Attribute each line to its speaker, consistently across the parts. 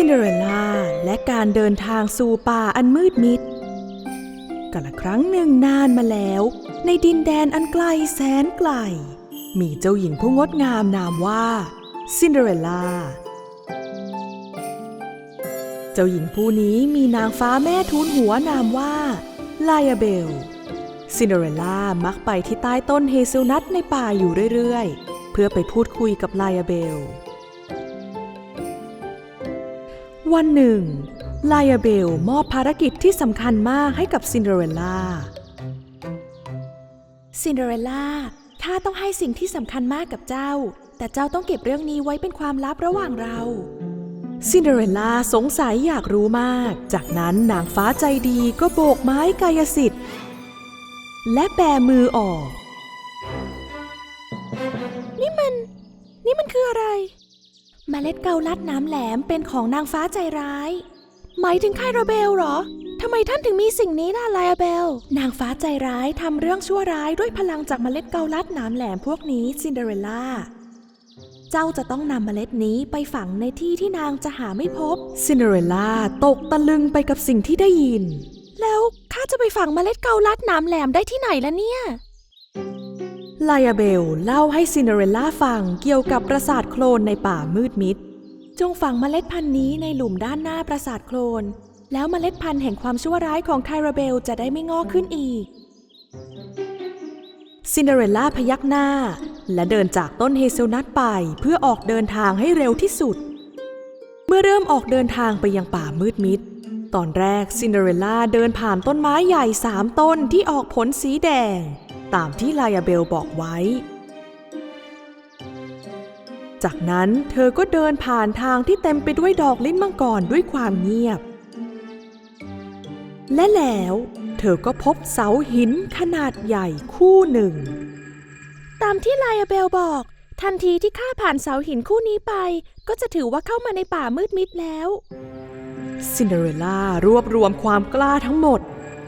Speaker 1: เดอเรลล่าและการเดินทางสู่ป่าอันมืดมิดกาลครั้งหนึ่งนานมาแล้วในดินแดนอันไกลแสนไกลมีเจ้าหญิงผู้งดงามนามว่าซินเดอเรลล่าเจ้าหญิงผู้นี้มีนางฟ้าแม่ทูลหัวนามว่าไลอาเบลซินเดอเรลล่ามักไปที่ใต้ต้นเฮเซลนัทในป่าอยู่เรื่อยๆเพื่อไปพูดคุยกับไลอาเบลวันหนึ่งไลอาเบลมอบภารกิจที่สำคัญมากให้กับซินเดอเรลล่าซินเดอเรลล่าข้าต้องให้สิ่งที่สำคัญมากกับเจ้าแต่เจ้าต้องเก็บเรื่องนี้ไว้เป็นความลับระหว่างเราซินเดอเรลล่าสงสัยอยากรู้มากจากนั้นนางฟ้าใจดีก็โบกไม้กายสิทธิ์และแบมือออกนี่มันคืออะไรเมล็ดเกาลัดน้ำแหลมเป็นของนางฟ้าใจร้ายหมายถึงไคราเบลเหรอทำไมท่านถึงมีสิ่งนี้ล่ะไลอาเบลนางฟ้าใจร้ายทำเรื่องชั่วร้ายด้วยพลังจากเมล็ดเกาลัดน้ำแหลมพวกนี้ซินเดอเรลล่าเจ้าจะต้องนำเมล็ดนี้ไปฝังในที่ที่นางจะหาไม่พบซินเดอเรลล่าตกตะลึงไปกับสิ่งที่ได้ยินแล้วข้าจะไปฝังเมล็ดเกาลัดน้ำแหลมได้ที่ไหนล่ะเนี่ยไลอาเบลเล่าให้ซินเดอเรลล่าฟังเกี่ยวกับปราสาทโคลนในป่ามืดมิดจงฝังเมล็ดพันธุ์นี้ในหลุมด้านหน้าปราสาทโคลนแล้วเมล็ดพันธุ์แห่งความชั่วร้ายของไคราเบลจะได้ไม่งอกขึ้นอีกซินเดอเรลล่าพยักหน้าและเดินจากต้นเฮเซลนัทไปเพื่อออกเดินทางให้เร็วที่สุดเมื่อเริ่มออกเดินทางไปยังป่ามืดมิดตอนแรกซินเดอเรลล่าเดินผ่านต้นไม้ใหญ่3 ต้นที่ออกผลสีแดงตามที่ไลอาเบลบอกไว้จากนั้นเธอก็เดินผ่านทางที่เต็มไปด้วยดอกลิ้นมังกรด้วยความเงียบและแล้วเธอก็พบเสาหินขนาดใหญ่คู่หนึ่งตามที่ไลอาเบลบอกทันทีที่ข้าผ่านเสาหินคู่นี้ไปก็จะถือว่าเข้ามาในป่ามืดมิดแล้วซินเดอเรลล่ารวบรวมความกล้าทั้งหมด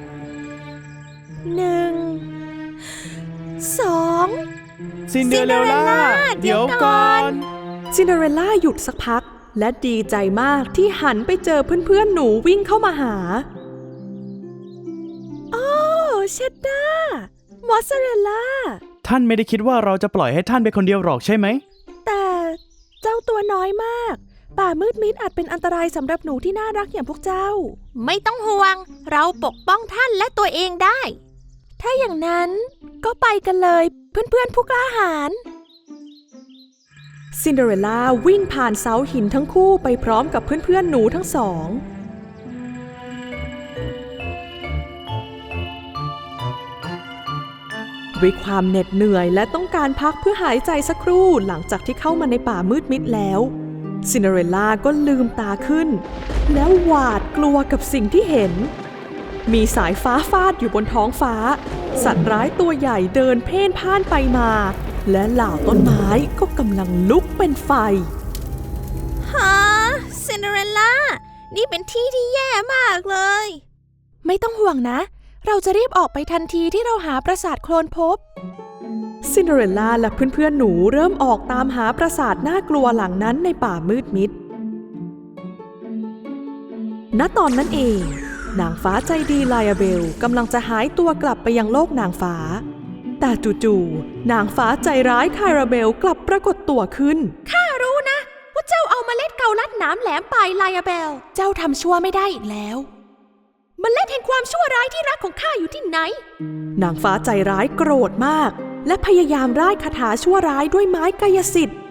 Speaker 1: 1 2
Speaker 2: ซินเดอเรลล่าเดี๋ยวก่อน
Speaker 1: ซินเดอเรลล่าหยุดสักพักและดีใจมากที่หันไปเจอเพื่อนๆหนูวิ่งเข้ามาหาโอ้เชดดามอสซาเรลล่า
Speaker 2: ท่านไม่ได้คิดว่าเราจะปล่อยให้ท่านไปคนเดียวหรอกใช่ไหม
Speaker 1: แต่เจ้าตัวน้อยมากป่ามืดมิดอาจเป็นอันตรายสำหรับหนูที่น่ารักอย่างพวกเจ้า
Speaker 3: ไม่ต้องห่วงเราปกป้องท่านและตัวเองได้
Speaker 1: ถ้าอย่างนั้นก็ไปกันเลยเพื่อนๆผู้กล้าหาญซินเดอเรลล่าวิ่งผ่านเสาหินทั้งคู่ไปพร้อมกับเพื่อนๆหนูทั้งสองด้วยความเหน็ดเหนื่อยและต้องการพักเพื่อหายใจสักครู่หลังจากที่เข้ามาในป่ามืดมิดแล้วซินเดอเรลล่าก็ลืมตาขึ้นแล้วหวาดกลัวกับสิ่งที่เห็นมีสายฟ้าฟาดอยู่บนท้องฟ้าสัตว์ร้ายตัวใหญ่เดินเพ่นพ่านไปมาและเหล่าต้นไม้ก็กำลังลุกเป็นไฟ
Speaker 3: ฮะซินเดอเรลล่านี่เป็นที่ที่แย่มากเลย
Speaker 1: ไม่ต้องห่วงนะเราจะรีบออกไปทันทีที่เราหาปราสาทโคลนพบซินเดอเรลล่าและเพื่อนๆหนูเริ่มออกตามหาปราสาทน่ากลัวหลังนั้นในป่ามืดมิดณตอนนั้นเองนางฟ้าใจดีไลอาเบลกำลังจะหายตัวกลับไปยังโลกนางฟ้าแต่จู่ๆนางฟ้าใจร้ายไคราเบลกลับปรากฏตัวขึ้น
Speaker 3: ข้ารู้นะว่าเจ้าเอาเมล็ดเกาลัดน้ำแหลมไปไลอาเบล
Speaker 1: เจ้าทำชั่วไม่ได้อีกแล้ว
Speaker 3: เมล็ดแห่งความชั่วร้ายที่รักของข้าอยู่ที่ไหน
Speaker 1: นางฟ้าใจร้ายโกรธมากและพยายามร่ายคาถาชั่วร้ายด้วยไม้กายสิทธิ์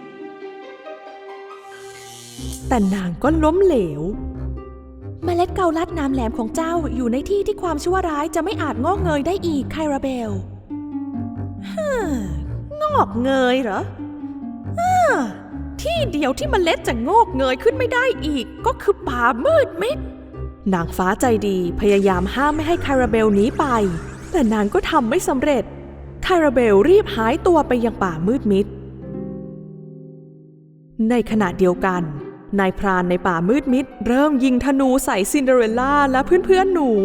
Speaker 1: แต่นางก็ล้มเหลวเมล็ดเกาลัดน้ำแหลมของเจ้าอยู่ในที่ที่ความชั่วร้ายจะไม่อาจงอกเงยได้อีกไคราเบลงอกเงยเหรอที่เดียวที่เมล็ดจะงอกเงยขึ้นไม่ได้อีกก็คือป่ามืดมิดนางฟ้าใจดีพยายามห้ามไม่ให้ไคราเบลหนีไปแต่นางก็ทำไม่สำเร็จไคราเบลรีบหายตัวไปยังป่ามืดมิดในขณะเดียวกันนายพรานในป่ามืดมิดเริ่มยิงธนูใส่ซินเดอเรลล่าและเพื่อนๆหนู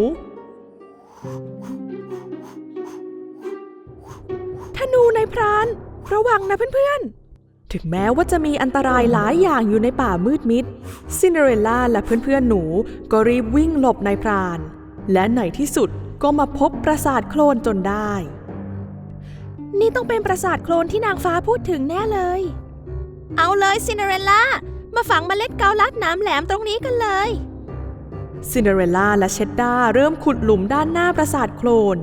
Speaker 1: ธนูนายพรานระวังนะเพื่อนๆ
Speaker 4: ถึงแม้ว่าจะมีอันตรายหลายอย่างอยู่ในป่ามืดมิดซินเดอเรลล่าและเพื่อนๆหนูก็รีบวิ่งหลบนายพรานและในที่สุดก็มาพบปราสาทโคลนจนได้
Speaker 1: นี่ต้องเป็นปราสาทโคลนที่นางฟ้าพูดถึงแน่เลย
Speaker 3: เอาเลยซินเดอเรลล่ามาฝังเมล็ดเกาลัดหนามแหลมตรงนี้กันเลย
Speaker 4: ซินเดอเรลล่าและเชดดาเริ่มขุดหลุมด้านหน้าปราสาทโคลน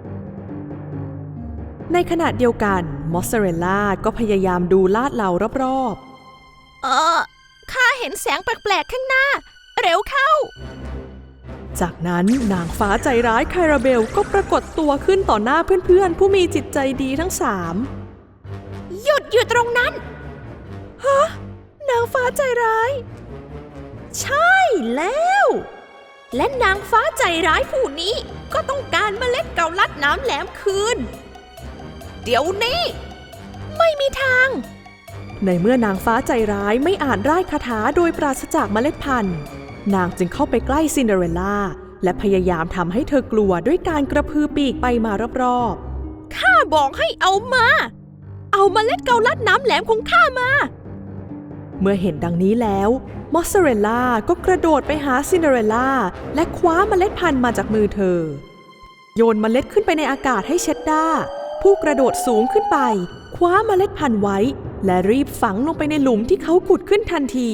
Speaker 4: ในขณะเดียวกันมอสซาเรลล่าก็พยายามดูลาดเหลารอบ
Speaker 3: ข้าเห็นแสงแปลกๆข้างหน้า เร็วเข้า
Speaker 4: ๆจากนั้นนางฟ้าใจร้ายไคราเบลก็ปรากฏตัวขึ้นต่อหน้าเพื่อนๆผู้มีจิตใจดีทั้งสาม
Speaker 3: หยุดอยู่ตรงนั้น
Speaker 1: นางฟ้าใจร้าย
Speaker 3: ใช่แล้ว และนางฟ้าใจร้ายผู้นี้ก็ต้องการเมล็ดเกาลัดหนามแหลมคืน เดี๋ยวนี้
Speaker 1: ไม่มีทาง
Speaker 4: ในเมื่อนางฟ้าใจร้ายไม่อาจร่ายคาถาโดยปราศจากเมล็ดพันธุ์นางจึงเข้าไปใกล้ซินเดอเรลล่าและพยายามทำให้เธอกลัวด้วยการกระพือปีกไปมารอบๆ
Speaker 3: ข้าบอกให้เอามา เอาเมล็ดเกาลัดหนามแหลมของข้ามา
Speaker 4: เมื่อเห็นดังนี้แล้วมอสซาเรลล่าก็กระโดดไปหาซินเดอเรลล่าและคว้าเมล็ดพันธุ์มาจากมือเธอโยนเมล็ดขึ้นไปในอากาศให้เชดดาผู้กระโดดสูงขึ้นไปคว้าเมล็ดพันธุ์ไว้และรีบฝังลงไปในหลุมที่เขาขุดขึ้นทันที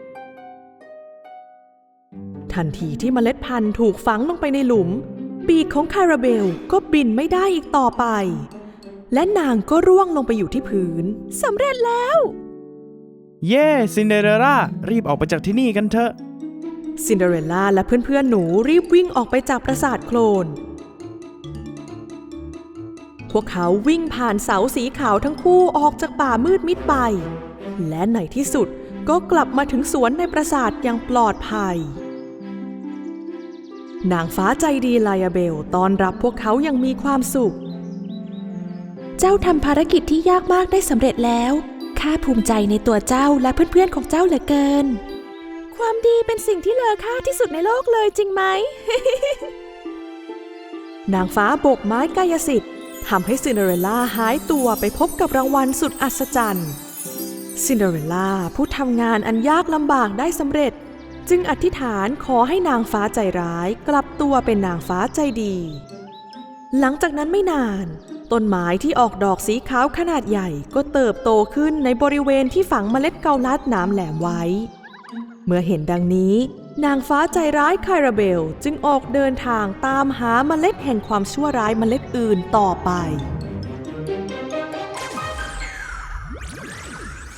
Speaker 4: ที่เมล็ดพันธุ์ถูกฝังลงไปในหลุมปีกของคาราเบลก็บินไม่ได้อีกต่อไปและนางก็ร่วงลงไปอยู่ที่พื้นสำเร็จแล้ว
Speaker 2: เย้ซินเดอเรลล่ารีบออกไปจากที่นี่กันเถอะ
Speaker 4: ซินเดอเรลล่าและเพื่อนๆหนูรีบวิ่งออกไปจากปราสาทโคลนพวกเขาวิ่งผ่านเสาสีขาวทั้งคู่ออกจากป่ามืดมิดไปและในที่สุดก็กลับมาถึงสวนในปราสาทอย่างปลอดภัยนางฟ้าใจดีไลอาเบลต้อนรับพวกเขาอย่างมีความสุข
Speaker 1: เจ้าทำภารกิจที่ยากมากได้สำเร็จแล้วข้าภูมิใจในตัวเจ้าและเพื่อนๆของเจ้าเหลือเกิน ความดีเป็นสิ่งที่เลอค่าที่สุดในโลกเลยจริงไหม
Speaker 4: นางฟ้าโบกไม้กายสิทธิ์ทำให้ซินเดอเรลล่าหายตัวไปพบกับรางวัลสุดอัศจรรย์ซินเดอเรลล่าผู้ทำงานอันยากลำบากได้สำเร็จจึงอธิษฐานขอให้นางฟ้าใจร้ายกลับตัวเป็นนางฟ้าใจดีหลังจากนั้นไม่นานต้นไม้ที่ออกดอกสีขาวขนาดใหญ่ก็เติบโตขึ้นในบริเวณที่ฝังเมล็ดเกาลัดหนามแหลมไว้เมื่อเห็นดังนี้นางฟ้าใจร้ายไคราเบลจึงออกเดินทางตามหาเมล็ดแห่งความชั่วร้ายเมล็ดอื่นต่อไป